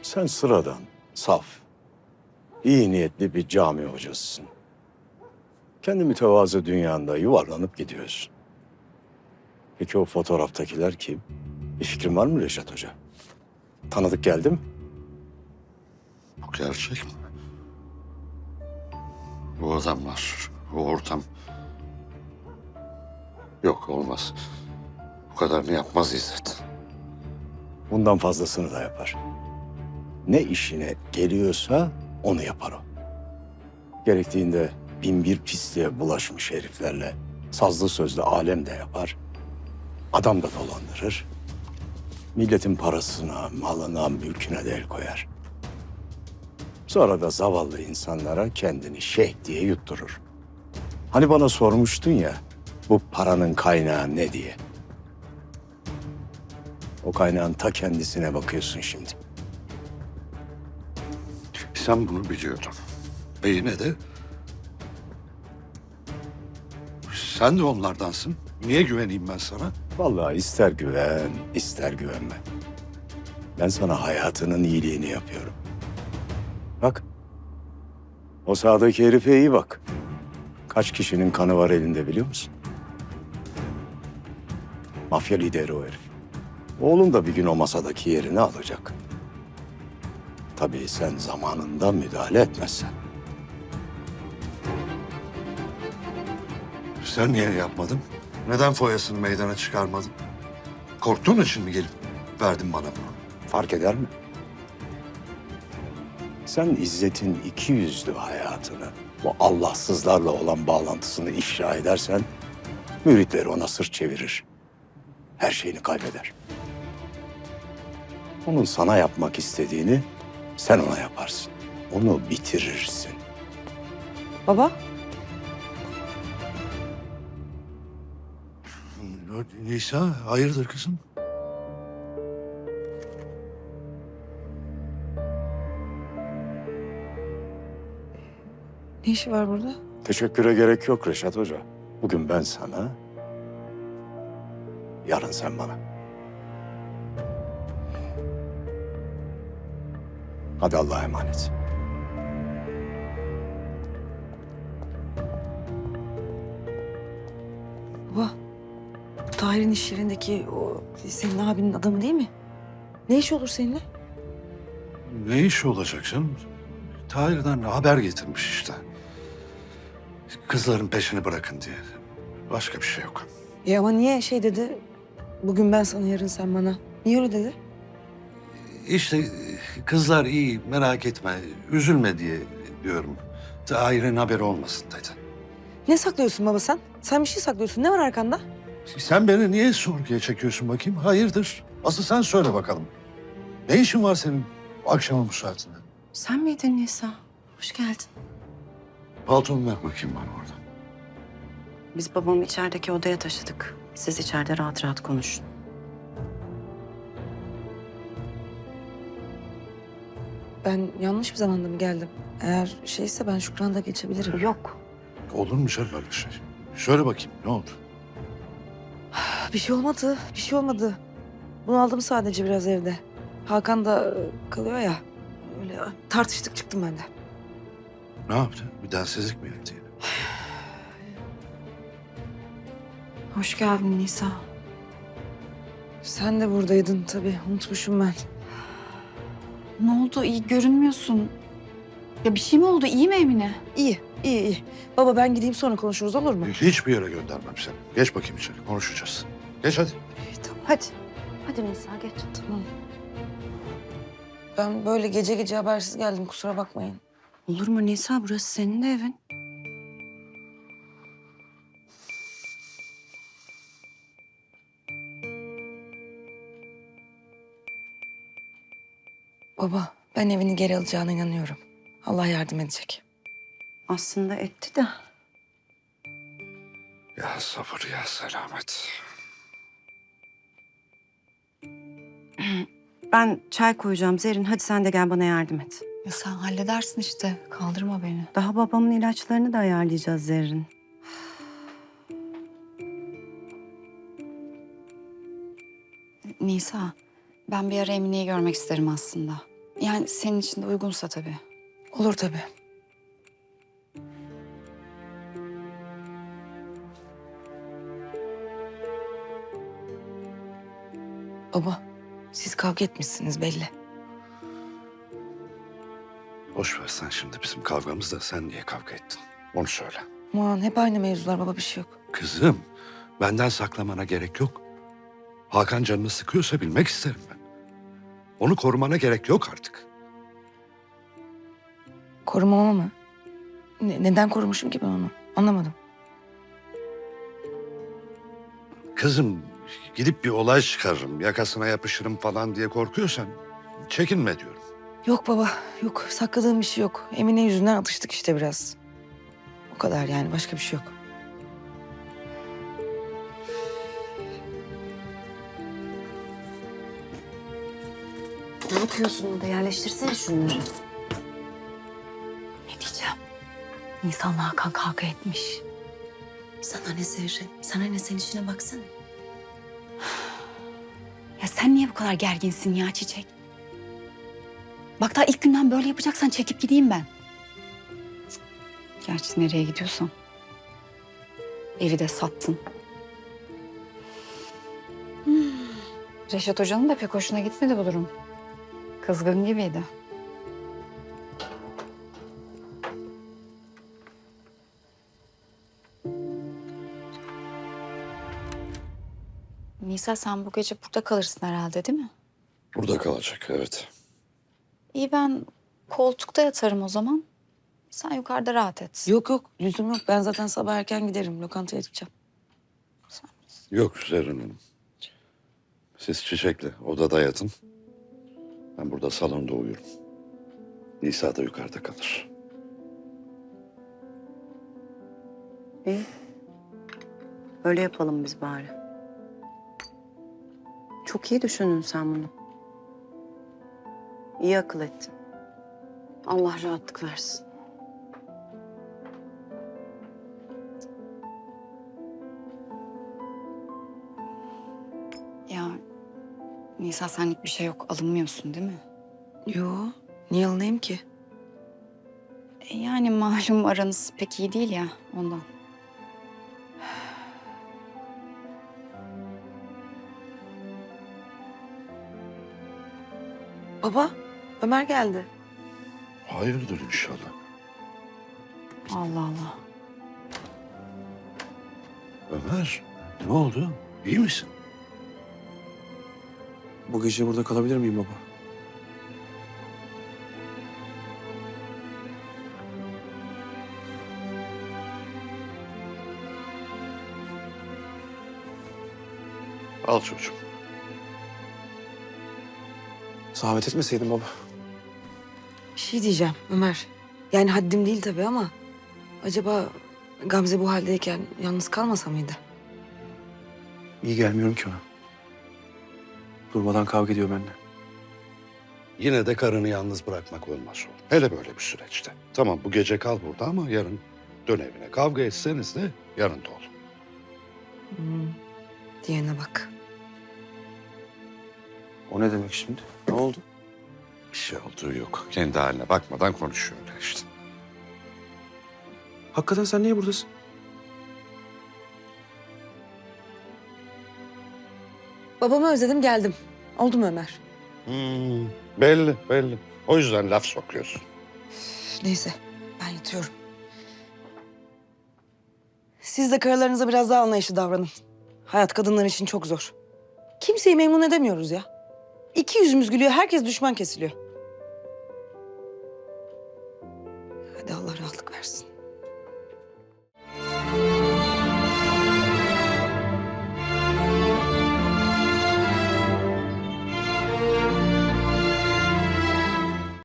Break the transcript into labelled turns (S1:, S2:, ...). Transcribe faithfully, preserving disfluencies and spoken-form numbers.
S1: Sen sıradan, saf, iyi niyetli bir cami hocasısın. Kendi mütevazı dünyanda yuvarlanıp gidiyorsun. Peki o fotoğraftakiler kim? Bir fikrin var mı Reşat Hoca? Tanıdık geldi mi?
S2: Bu gerçek mi? Bu adamlar, bu ortam. Yok, olmaz. Bu kadarını yapmaz İzzet.
S1: Bundan fazlasını da yapar. Ne işine geliyorsa onu yapar o. Gerektiğinde bin bir pisliğe bulaşmış heriflerle sazlı sözlü alem de yapar. Adam da dolandırır. Milletin parasına, malına, mülküne de el koyar. Sonra da zavallı insanlara kendini şeyh diye yutturur. Hani bana sormuştun ya, bu paranın kaynağı ne diye. O kaynağın ta kendisine bakıyorsun şimdi.
S2: Sen bunu biliyordun. Ve yine de... Sen de onlardansın. Niye güveneyim ben sana?
S1: Vallahi ister güven, ister güvenme. Ben sana hayatının iyiliğini yapıyorum. Bak, o sağdaki herife iyi bak. Kaç kişinin kanı var elinde biliyor musun? Mafya lideri o herif. Oğlum da bir gün o masadaki yerini alacak. Tabii sen zamanında müdahale etmezsen.
S2: Sen niye yapmadın? Neden foyasını meydana çıkarmadın? Korktuğun için mi gelip verdin bana bunu?
S1: Fark eder mi? Sen İzzet'in iki yüzlü hayatını, bu Allahsızlarla olan bağlantısını ifşa edersen... müritleri ona sırt çevirir. Her şeyini kaybeder. Onun sana yapmak istediğini sen ona yaparsın. Onu bitirirsin.
S3: Baba,
S2: Nisa, hayırdır kızım?
S3: ne işi var burada?
S1: Teşekküre gerek yok Reşat Hoca. Bugün ben sana, yarın sen bana. Hadi Allah'a emanet.
S3: Baba, bu Tahir'in iş yerindeki o senin abinin adamı değil mi? Ne iş olur seninle?
S2: Ne iş olacak canım? Tahir'den haber getirmiş işte. Kızların peşini bırakın diye. Başka bir şey yok.
S3: Ya ama niye şey dedi? Bugün ben sana, yarın sen bana. Niye öyle dedi?
S2: İşte kızlar iyi, merak etme, üzülme diye diyorum. Tahir'in haberi olmasın dedi.
S3: Ne saklıyorsun baba sen? Sen bir şey saklıyorsun. Ne var arkanda?
S2: Sen beni niye sorguya çekiyorsun bakayım? Hayırdır? Asıl sen söyle bakalım. Ne işin var senin akşama bu saatinde?
S4: Sen miydin Nisa? Hoş geldin.
S2: Paltomu ver bakayım bana orada.
S4: Biz babamı içerideki odaya taşıdık. Siz içeride rahat rahat konuşun.
S3: Ben yanlış bir zamanda mı geldim? Eğer şeyse ben Şükran'da geçebilirim.
S4: Yok.
S2: Olur mu canım öyle şey? Söyle bakayım ne oldu?
S3: Bir şey olmadı. Bir şey olmadı. Bunu aldım sadece biraz evde. Hakan da e, kalıyor ya. Öyle tartıştık, çıktım ben de.
S2: Ne yaptı? Bir densizlik mi yaptı yine?
S4: Hoş geldin Nisa.
S3: Sen de buradaydın tabii. Unutmuşum ben.
S4: Ne oldu? İyi görünmüyorsun. Ya bir şey mi oldu? İyi mi Emine?
S3: İyi, iyi, iyi. Baba ben gideyim, sonra konuşuruz, olur mu?
S2: Hiçbir yere göndermem seni. Geç bakayım içeri konuşacağız. Geç hadi.
S3: İyi, tamam.
S4: Hadi. Hadi Nisa geç.
S3: Tamam. Ben böyle gece gece habersiz geldim, kusura bakmayın.
S4: Olur mu Nisa? Burası senin de evin.
S3: Baba, ben evini geri alacağına inanıyorum. Allah yardım edecek.
S4: Aslında etti de.
S2: Ya sabır ya selamet.
S4: Ben çay koyacağım Zerrin. Hadi sen de gel bana yardım et.
S5: Ya sen halledersin işte. Kaldırma beni.
S4: Daha babamın ilaçlarını da ayarlayacağız Zerrin.
S5: Nisa, ben bir ara Emine'yi görmek isterim aslında.
S4: Yani senin için de uygunsa tabii.
S3: Olur tabii. Baba, siz kavga etmişsiniz belli.
S2: Boş ver sen şimdi bizim kavgamızda sen niye kavga ettin? Onu söyle.
S3: Aman hep aynı mevzular baba, bir şey yok.
S2: Kızım, benden saklamana gerek yok. Hakan canını sıkıyorsa bilmek isterim ben. Onu korumana gerek yok artık.
S3: Korumama mı? Ne- neden korumuşum ki ben onu? Anlamadım.
S2: Kızım, gidip bir olay çıkarırım, yakasına yapışırım falan diye korkuyorsan çekinme diyorum.
S3: Yok baba, yok. Sakladığım bir şey yok. Emine yüzünden atıştık işte biraz. O kadar yani, başka bir şey yok.
S6: Ne yapıyorsun orada? Yerleştirsene şunları.
S5: Ne diyeceğim? Nisan'la Hakan kavga etmiş.
S6: Sana ne Zerrin? Sana ne, sen işine baksana.
S5: Ya sen niye bu kadar gerginsin ya Çiçek? Bak daha ilk günden böyle yapacaksan çekip gideyim ben. Cık. Gerçi nereye gidiyorsan. Evi de sattın. Hmm. Reşat Hoca'nın da pek hoşuna gitmedi bu durum. Kızgın gibiydi. Nisa sen bu gece burada kalırsın herhalde değil mi?
S2: Burada kalacak, evet.
S5: İyi ben koltukta yatarım o zaman. Sen yukarıda rahat et.
S3: Yok yok, lüzum yok. Ben zaten sabah erken giderim. Lokantaya gideceğim.
S2: Yok Zerrin Hanım. Siz Çiçek'le odada yatın. Ben burada salonda uyurum. Nisa da yukarıda kalır.
S6: İyi. Öyle yapalım biz bari. Çok iyi düşündün sen bunu. İyi akıl ettin. Allah rahatlık versin.
S5: Ya Nisa senlik bir şey yok. Alınmıyorsun değil mi?
S3: Yo, niye alınayım ki?
S5: E, yani malum aranız pek iyi değil ya ondan.
S3: Baba, Ömer geldi.
S2: Hayırdır inşallah.
S5: Allah Allah.
S2: Ömer, ne oldu? İyi misin?
S7: Bu gece burada kalabilir miyim baba?
S2: Al çocuğum.
S7: Zahmet etmeseydin baba.
S3: Bir şey diyeceğim Ömer. Yani haddim değil tabii ama... acaba Gamze bu haldeyken yalnız kalmasa mıydı?
S7: İyi gelmiyorum ki ona. Durmadan kavga ediyor benimle.
S2: Yine de karını yalnız bırakmak olmaz oğlum. Hele böyle bir süreçte. Tamam bu gece kal burada ama yarın dön evine. Kavga etseniz de yanında ol.
S3: Hmm. Diyene bak.
S7: O ne demek şimdi? Ne oldu?
S2: Bir şey olduğu yok. Kendi haline bakmadan konuşuyor öyle işte.
S7: Hakikaten sen niye buradasın?
S3: Babamı özledim, geldim. Oldu mu Ömer?
S2: Hmm, belli belli. O yüzden laf sokuyorsun.
S3: Neyse, ben yatıyorum. Siz de karılarınıza biraz daha anlayışlı davranın. Hayat kadınlar için çok zor. Kimseyi memnun edemiyoruz ya. İki yüzümüz gülüyor, herkes düşman kesiliyor.